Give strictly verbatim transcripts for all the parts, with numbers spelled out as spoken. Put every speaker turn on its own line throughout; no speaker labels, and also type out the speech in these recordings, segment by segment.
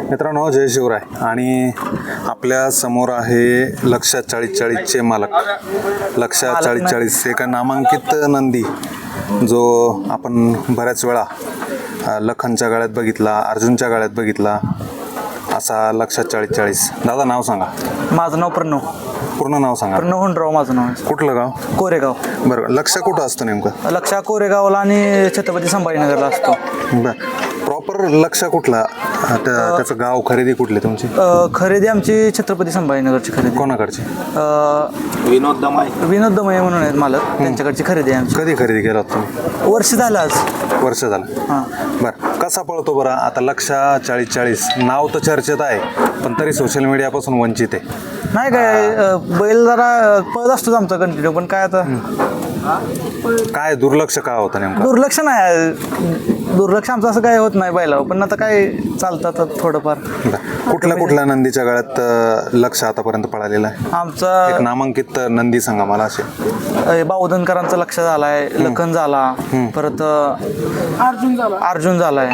मित्रांनो, जय शिवराय. आणि आपल्या समोर आहे लक्षा चाळीस चाळीसचे मालक. लक्षा चाळीस चाळीस एक नामांकित नंदी जो आपण बऱ्याच वेळा लखनच्या गाळ्यात बघितला, अर्जुनच्या गाळ्यात बघितला, असा लक्षा चाळीस चाळीस. दादा नाव सांगा.
माझं नाव प्रणव.
पूर्ण नाव सांगा.
प्रणव हुंडराव माझं नाव आहे.
कुठलं गाव?
कोरेगाव.
बरं, लक्ष कुठं असतं नेमकं?
लक्षा कोरेगावला आणि छत्रपती संभाजीनगरला असतो.
बरं, प्रॉपर लक्ष कुठला? त्या- त्याचं गाव, खरेदी कुठली तुमची?
अ, खरेदी आमची छत्रपती संभाजीनगरची खरेदी.
कोणाकडची?
अ,
विनोद दमाई.
विनोद दमये म्हणून आहेत मालक, त्यांच्याकडची खरेदी आहे आमची.
कधी खरेदी केला होता तुम्ही?
वर्ष झालं आज.
वर्ष झालं.
हां.
बरं, कसा पळतो बरं? आता लक्षा चाळीस चाळीस नाव तर चर्चेत आहे, पण तरी सोशल मीडियापासून वंचित आहे.
नाही काय, अ, बैल जरा पळत असतोच आमचा कंटिन्यू, पण काय आता
काय दुर्लक्ष का होतं नेमकं?
दुर्लक्ष नाही, दुर्लक्ष आमचं असं काय होत नाही बैलावर, पण आता काय चालतात थोडंफार.
बरं. कुठल्या कुठल्या नंदीच्या गळ्यात अं, लक्ष आतापर्यंत पळालेलं आहे? एक
आमचा
नामांकित नंदी सांगा मला असे.
अ, बावधनकरांचा लक्ष झालाय, लखन झाला, परत अ, अर्जुन झाला अर्जुन झालाय.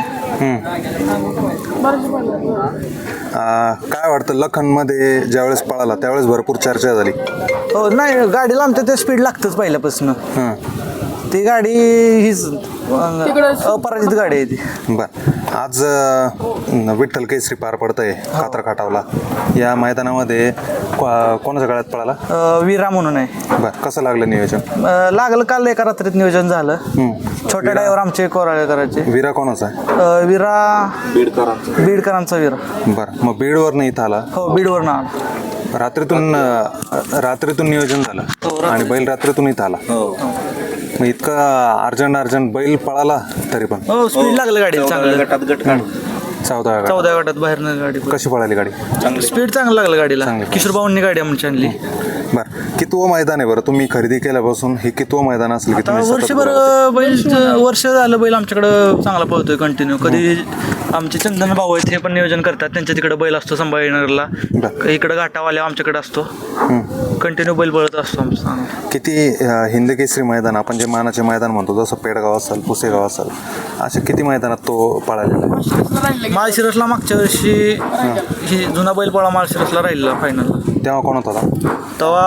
अं, काय वाटतं, लखनमध्ये ज्यावेळेस पळाला त्यावेळेस भरपूर चर्चा झाली.
हो, नाही गाडीला आमच्या ते स्पीड लागतंच पहिल्यापासून.
हां.
ती गाडी हीच अ, अपराजित गाडी आहे ती.
बरं, आज अं, विठ्ठल केसरी पार पडत आहे कात्र खाटावला. या मैदानामध्ये को- कोणाच्या गळ्यात पळाला?
अ, विरा म्हणून आहे.
बरं, कसं लागलं नियोजन?
अ, लागलं काल एका रात्रीत नियोजन झालं. छोट्या ड्रायव्हर आमचे कोराळेकरांचे.
विरा कोणाचा आहे?
अ, विरा
बीडकरांचं.
बीडकरांचा विरा.
बरं, मग बीडवर नाही इथं आला.
हो, बीडवर ना.
रात्रीतून अं, रात्रीतून नियोजन झालं आणि बैल रात्रीतून इथं आला. मग इतका अर्जंट अर्जंट बैल पळाला तरी पण
हो, स्पीड लागलं गाडी चांगलं.
गटात गट काढ.
चौदा गट.
चौदा गटात बाहेरनं गाडी.
कशी पळाली गाडी?
स्पीड चांगलं लागलं गाडीला.
चांगली.
किशोर भाऊंनी गाडी आमची आणली.
बरं, कितवं मैदान आहे बरं तुम्ही खरेदी केल्यापासून? हे कितवं मैदान असेल की
आता
तुम्ही सतत
वर्षभर
पळवता?
बैल वर्ष झालं बैल आमच्याकडं चांगला पळतोय कंटिन्यू. कधी आमचे चंदन भाऊ आहेत, हे पण नियोजन करतात. त्यांच्या तिकडे बैल असतो संभाजीनगरला,
बरं.
इकडं घाटावाल्या आमच्याकडे असतो. कंटिन्यू बैल पळत असतो आमचा.
किती अं, हिंद केसरी मैदान, आपण जे मानाचे मैदान म्हणतो, जसं पेडगाव असेल, पुसेगाव असेल, अशा किती मैदानात तो पळालेला आहे?
माळशिरसला मागच्या वर्षी ही जुना बैल पोळा माळशिरसला राहिलेला फायनलला.
तेव्हा कोण होता?
तेव्हा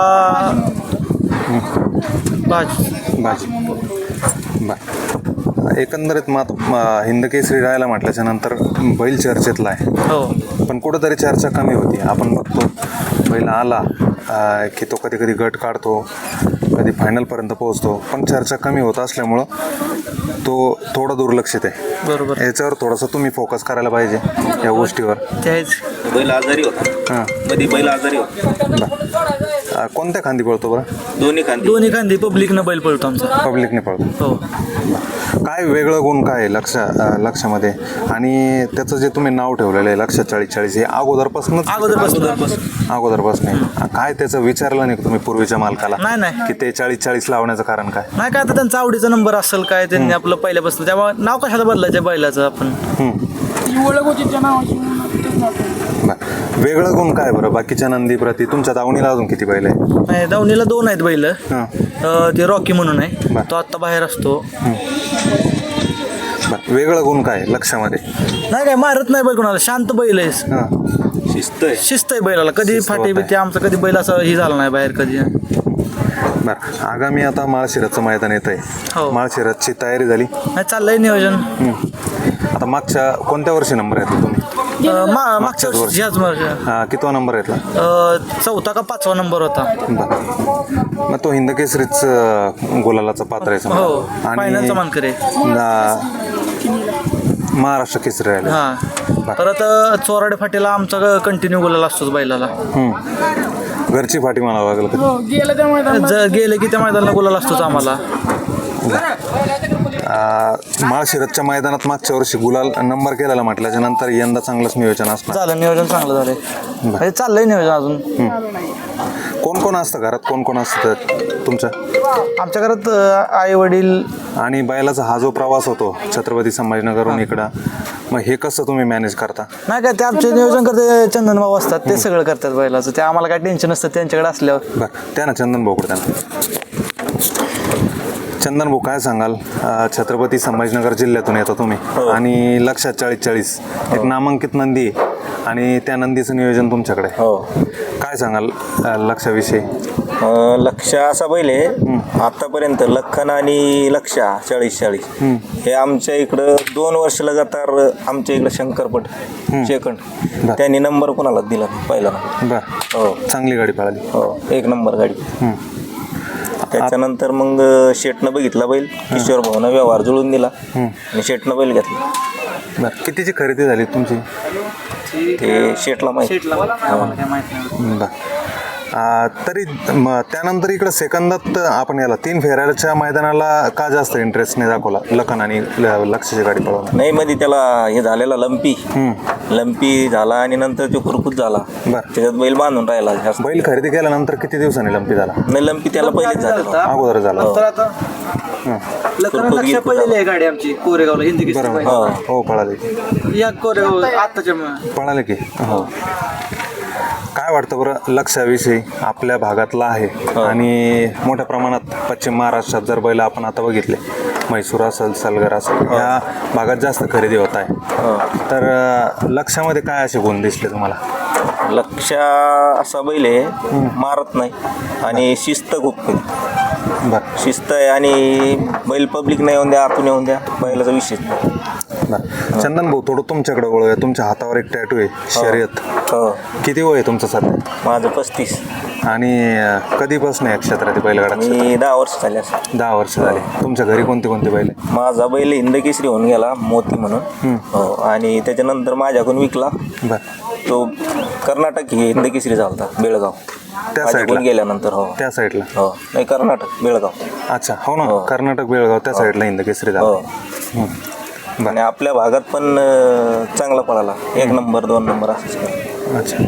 बाज
बाजी. बरं, एकंदरीत मात म- हिंद केसरी राहायला म्हटल्याच्या नंतर बैल चर्चेतला आहे,
हो.
पण कुठंतरी चर्चा कमी होती. आपण बघतो बैल आला अं, की तो कधी कधी गट काढतो, कधी फायनलपर्यंत पोहोचतो, पण चर्चा कमी होत असल्यामुळं तो थोडा दुर्लक्षित आहे.
बरोबर,
याच्यावर थोडंसं तुम्ही फोकस करायला पाहिजे या गोष्टीवर.
तेच.
बैल आजारी होता.
हां.
मध्ये बैल आजारी होता.
बरं, अं, कोणत्या खांदी पळतो बरं?
दोन्ही खांदी.
दोन्ही खांदी पब्लिकनं बैल पळतो आमचा.
पब्लिकने पळतो.
हो.
काय वेगळं गुण काय आहे लक्ष अं, लक्षामध्ये? आणि त्याचं जे तुम्ही नाव ठेवलेलं आहे लक्ष चाळीस चाळीस, हे अगोदरपासूनच
अगोदरपासून
अगोदरपासून आहे. काय त्याचं विचारलं नाही का तुम्ही पूर्वीच्या मालकाला
नाही नाही
की ते चाळीस चाळीस लावण्याचं कारण काय?
नाही काय, आता त्यांचा आवडीचा नंबर असेल काय, त्यांनी आपलं पहिल्यापासून, त्यामुळे नाव कशाला बदलायचं बैलाचं आपण.
ओळख होती त्या नावाची म्हणून तेच नाव ठेवलं.
बरं, वेगळं गुण काय बरं बाकीच्या नंदीप्रती? तुमच्या दावणीला अजून किती बैल आहे?
नाही, दावणीला दोन आहेत बैल.
हां.
अ, ते रॉकी म्हणून आहे,
बरं.
तो आत्ता बाहेर असतो.
बरं, वेगळं गुण काय आहे लक्षामध्ये?
नाही काय, मारत नाही बैल कोणाला, शांत बैल आहे.
हां.
शिस्त आहे.
शिस्त आहे बैलाला, कधी
शिस्त
फाटी
होत
बिटी आमचं कधी बैल असं ही झाला नाही बाहेर कधी.
बरं, आगामी आता माळशिरसचं मैदान येत आहे.
हो.
माळशिरसची तयारी झाली?
नाही, चाललंय नियोजन.
आता मागच्या कोणत्या वर्षी नंबर येतला तुम्ही?
अ, मा- मागच्या
वर्षी.
वर्षी ह्याच वर्षी.
हा, कितवा नंबर येतला?
अ, चौथा का पाचवा नंबर होता.
बरं, मग तो हिंद केसरीच अं, गुलालाचा पात्र आहे समजा.
हो, फायनलचा मानकर आहे.
ना- महाराष्ट्र केसरी राहिले.
हा, परत अ, चोराडे फाटीला आमचा कंटिन्यू गुलाल असतोच बैलाला.
घरची फाटी म्हणावं लागलं का?
हो, गेलं त्या मैदानात
ज- गेले की त्या मैदानाला गुलाल असतोच आम्हाला.
अं, माळशिरसच्या मैदानात मागच्या वर्षी गुलाल नंबर केलेला म्हटल्याच्या नंतर यंदा चांगलंच नियोजन असणार.
झालं नियोजन, चांगलं झालंय. म्हणजे चाललंय नियोजन अजून.
कोण कोण असतं घरात? कोण कोण असतं तुमच्या?
आमच्या घरात आई वडील.
आणि बैलाचा हा जो प्रवास होतो छत्रपती संभाजीनगरहून इकडं, मग हे कसं तुम्ही मॅनेज करता?
नाही काय, ते आमचे नियोजन करते चंदन भाऊ असतात, ते सगळं करतात बैलाचं. ते आम्हाला काय टेन्शन नसतं त्यांच्याकडे असल्यावर.
बरं, त्या ना चंदन भाऊकडे त्यांना. चंदन भाऊ, काय सांगाल? अं, छत्रपती संभाजीनगर जिल्ह्यातून येता तुम्ही आणि लक्षात चाळीस चाळीस एक नामांकित नंदी आहे. आणि त्या नंदीचं नियोजन तुमच्याकडे आहे.
हो
काय सांगाल अ, लक्षाविषयी?
अं, लक्ष असा पहिले आतापर्यंत लखन आणि लक्षा चाळीस चाळीस हे आमच्या इकडं दोन वर्ष लगातार आमच्या इकडं शंकरपट सेकंड
बर.
त्यांनी नंबर कोणाला दिला नाही, पहिला
बरं,
हो
चांगली गाडी पळाली.
हो एक नंबर गाडी.
हं.
त्याच्यानंतर मग शेटनं बघितला बैल, किशोर भाऊनं व्यवहार जुळून दिला आणि शेटनं बैल घेतला.
बरं, कितीची खरेदी झाली तुमची?
ते शेटला माहिती.
शेटला आम्हाला काय माहित नाही.
बरं. आ, तरी म- त्यानंतर इकडं सेकंदात आपण याला तीन फेऱ्याच्या मैदानाला का जास्त इंटरेस्ट नाही दाखवला लखन आणि ल- लक्षाची गाडी पळवणं?
नाही मध्ये त्याला हे झालेला लंपी लंपी झाला आणि नंतर तो खुरकूत झाला.
बरं.
त्याच्यात बैल बांधून राहिला जास्त.
बैल खरेदी केल्यानंतर किती दिवसांनी लंपी झाला?
नाही लंपी त्याला पहिलेच झाला.
अगोदर झाला.
तर आता लखन लक्ष पडलेली आहे गाडी आमची कोरेगावला हिंदी किस्ती
बरोबर.
पाहिजे.
हो पळाले
या कोरेगाव आत्ताच्या म-
पळाले की हो. काय वाटतं बरं लक्षाविषयी? आपल्या भागातला आहे आणि मोठ्या प्रमाणात पश्चिम महाराष्ट्रात जर बैल आपण आता बघितले, म्हैसूर असेल, सलगर असेल, या भागात जास्त खरेदी होत आहे. तर अ, लक्षामध्ये काय असे गुण दिसले तुम्हाला?
लक्ष असा बैल आहे, मारत नाही आणि शिस्त खूप आहे.
बरं
शिस्त आहे आणि बैल पब्लिक नाही येऊन द्या, आतून येऊन द्या, बैलाचा विषय नाही.
बरं. चंदन भाऊ, थोडं तुमच्याकडे वळूया. तुमच्या हातावर एक टॅटू आहे, शर्यत.
हो
किती वय आहे तुमचं सध्या?
माझं पस्तीस.
आणि अ, कधीपासून या क्षेत्रात बैलगाडा?
मी दहा वर्ष झाले असं.
दहा वर्ष झाली. तुमच्या घरी कोणते कोणते बैल आहे?
माझा बैल हिंदकेसरी होऊन गेला मोती म्हणून. हो आणि त्याच्यानंतर माझ्याकडून विकला
बरं,
तो कर्नाटक हे हिंदकेसरी झाला बेळगाव.
त्या
माझ्याकडून
साईडला?
गेल्यानंतर हो
त्या साईडला?
हो नाही कर्नाटक बेळगाव.
अच्छा, हो ना.
हो.
कर्नाटक बेळगाव त्या साईडला हिंद केसरी झाला.
हो
हं. बरं.
आणि आपल्या भागात पण अं, चांगला पळाला. एक नंबर दोन नंबर असंच केलं.
अच्छा.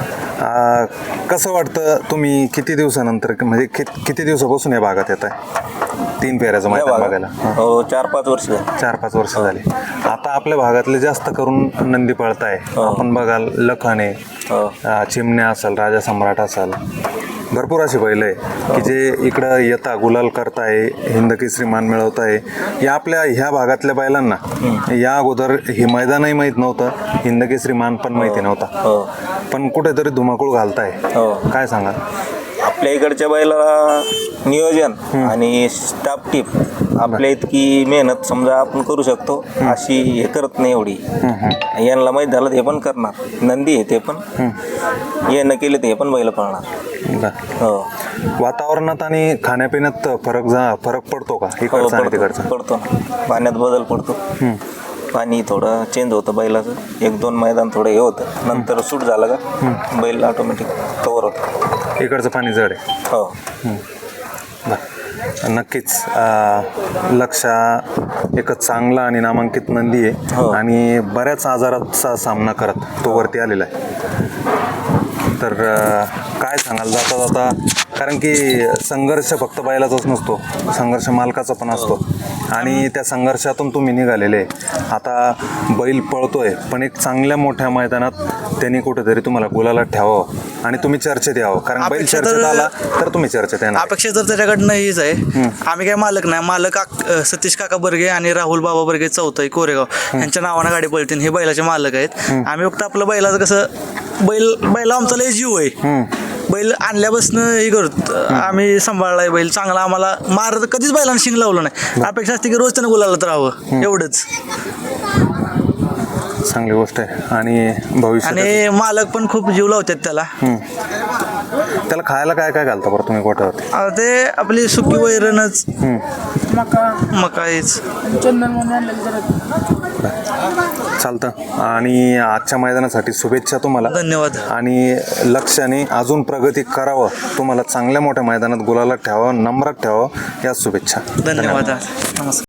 आ, कसं वाटतं तुम्ही किती दिवसानंतर म्हणजे कि, किती दिवसापासून या भागात येत आहे तीन फेऱ्याचं
या
मैदान
भागात?
बघायला? हं.
हो चार पाच वर्ष झाली.
चार पाच वर्ष झाली. आता आपल्या भागातले जास्त करून नंदी पळताय. आपण बघाल लखन आहे,
हो
आ, चिमण्या असेल, राजा सम्राट असेल, भरपूर असे बैल आहे की जे इकडं येता गुलाल करताय, हिंद केसरी मान मिळवताय. या आपल्या ह्या भागातल्या बैलांना या अगोदर हे मैदानही माहीत नव्हतं, हिंद केसरी मान पण माहिती नव्हता,
हो
पण कुठेतरी धुमाकूळ घालताय.
हो
काय सांगाल?
आपल्या इकडच्या बैलाला नियोजन आणि स्टाफ टीप आपल्या इतकी मेहनत समजा आपण करू शकतो अशी हे करत नाही एवढी. यांना माहीत झालं ते पण करणार. नंदी आहे ते पण हे न केले ते पण बैल पळणार.
बरं.
हो
वातावरणात आणि खाण्यापिण्यात फरक जा फरक पडतो का
हो,
इकडचा आणि
पडतो
तिकडचा?
पडतो ना. पाण्यात बदल पडतो. पाणी थोडं चेंज होतं बैलाचं. एक दोन मैदान थोडं हे होतं, नंतर सूट झालं का बैल ऑटोमॅटिक कवर होतं.
इकडचं पाणी जड आहे.
हो
बरं. नक्कीच अं, लक्षा एक चांगला आणि नामांकित नंदी आहे
हो.
आणि बऱ्याच आजाराचा सामना करत तो वरती आलेला आहे. तर अं, काय सांगाल जाता जाता, कारण की संघर्ष फक्त बैलाचाच नसतो, संघर्ष मालकाचा पण असतो आणि त्या संघर्षातून तुम्ही निघालेले आहे. आता बैल पळतोय पण एक चांगल्या मोठ्या मैदानात त्यांनी कुठेतरी तुम्हाला गुलाला ठेवावं आणि तुम्ही चर्चेत यावं, कारण बैल
अपेक्षा तर-
चर्चेत आला तर तुम्ही चर्चेत येणार.
अपेक्षा तर त्याच्याकडनं हीच आहे. आम्ही काय मालक नाही. मालक आक- अ, सतीश काका बर्गे आणि राहुल बाबा बर्गे चौथाई कोरेगाव यांच्या नावानं गाडी पळतील. हे बैलाचे मालक आहेत. आम्ही फक्त आपलं बैलाचं कसं बैल बैला आमचा लय जीव आहे. बैल आणल्यापासून हे करत आम्ही सांभाळलाय बैल चांगला. आम्हाला मार कधीच बैलांना शिंग लावलं नाही. अपेक्षा असते की रोज त्यानं गुलालात राहावं एवढंच.
चांगली गोष्ट आहे आणि भविष्यात
आणि मालक पण खूप जीव लावतात त्याला.
त्याला खायला काय काय घालता बरं तुम्ही गोठ्यावरती?
आता ते आपली सुकी वैरणच
मका
मकाईच.
चंदन म्हणून आणलेलं जरा
चालतं. आणि आजच्या मैदानासाठी शुभेच्छा तुम्हाला.
धन्यवाद.
आणि लक्ष्याने अजून प्रगती करावं, तुम्हाला चांगल्या मोठ्या मैदानात गुलाला ठेवावं, नम्रात ठेवावं, याच शुभेच्छा.
धन्यवाद. नमस्कार.